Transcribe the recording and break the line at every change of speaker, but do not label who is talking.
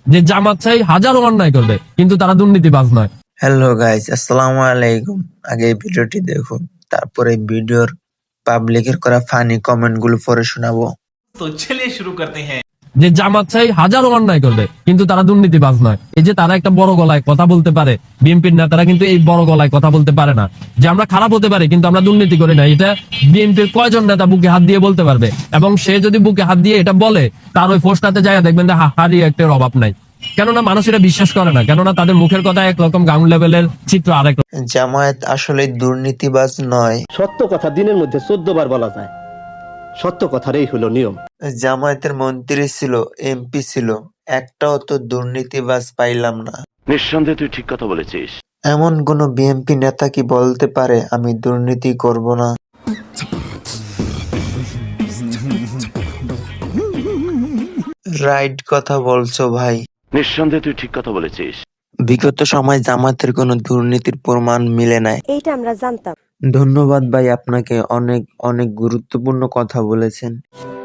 যে জামাত চাই হাজারো অন্যায় করবে, কিন্তু তারা দুর্নীতিবাজ নয়।
হ্যালো গাইস, আসসালামু আলাইকুম। আগে এই ভিডিওটি দেখুন, তারপরে ভিডিওর পাবলিকের করা ফানি কমেন্ট গুলো পরে শোনাবো।
तो चलिए शुरू करते हैं।
যে জামাত চাই হাজারো অন্যায় করবে, কিন্তু তারা দুর্নীতিবাজ নয়। এই যে তারা একটা বড় গলায় কথা বলতে পারে, বিএনপির নেতারা কিন্তু এই বড় গলায় কথা বলতে পারে না যে আমরা খারাপ হতে পারি কিন্তু আমরা দুর্নীতি করি না। এটা বিএনপির কয়জন নেতা বুকে হাত দিয়ে বলতে পারবে? এবং সে যদি বুকে হাত দিয়ে এটা বলে, তার ওই পোস্টাতে যায় দেখবেন যে হারি একটা অভাব নাই। কেননা মানুষ এটা বিশ্বাস করে না, কেননা তাদের মুখের কথা একরকম, গ্রাউন্ড লেভেলের চিত্র আরেক।
জামায়াত আসলে দুর্নীতিবাজ নয়।
সত্য কথা দিনের মধ্যে 14 বার বলা যায়। সত্য কথারই হলো নিয়ম।
জামায়াতের মন্ত্রী ছিল, এমপি ছিল, একটাও তো দুর্নীতিবাজ পাইলাম না।
নিঃসন্দেহে তুই ঠিক কথা বলেছিস।
এমন কোন বিএনপি নেতা কি বলতে পারে আমি দুর্নীতি করব না? রাইট কথা বলছো ভাই।
নিঃসন্দেহে তুই ঠিক কথা বলেছিস।
বিগত সময় জামায়াতের কোনো দুর্নীতির প্রমাণ মিলে নাই।
এইটা আমরা জানতাম।
ধন্যবাদ ভাই, আপনাকে অনেক অনেক গুরুত্বপূর্ণ কথা বলেছেন।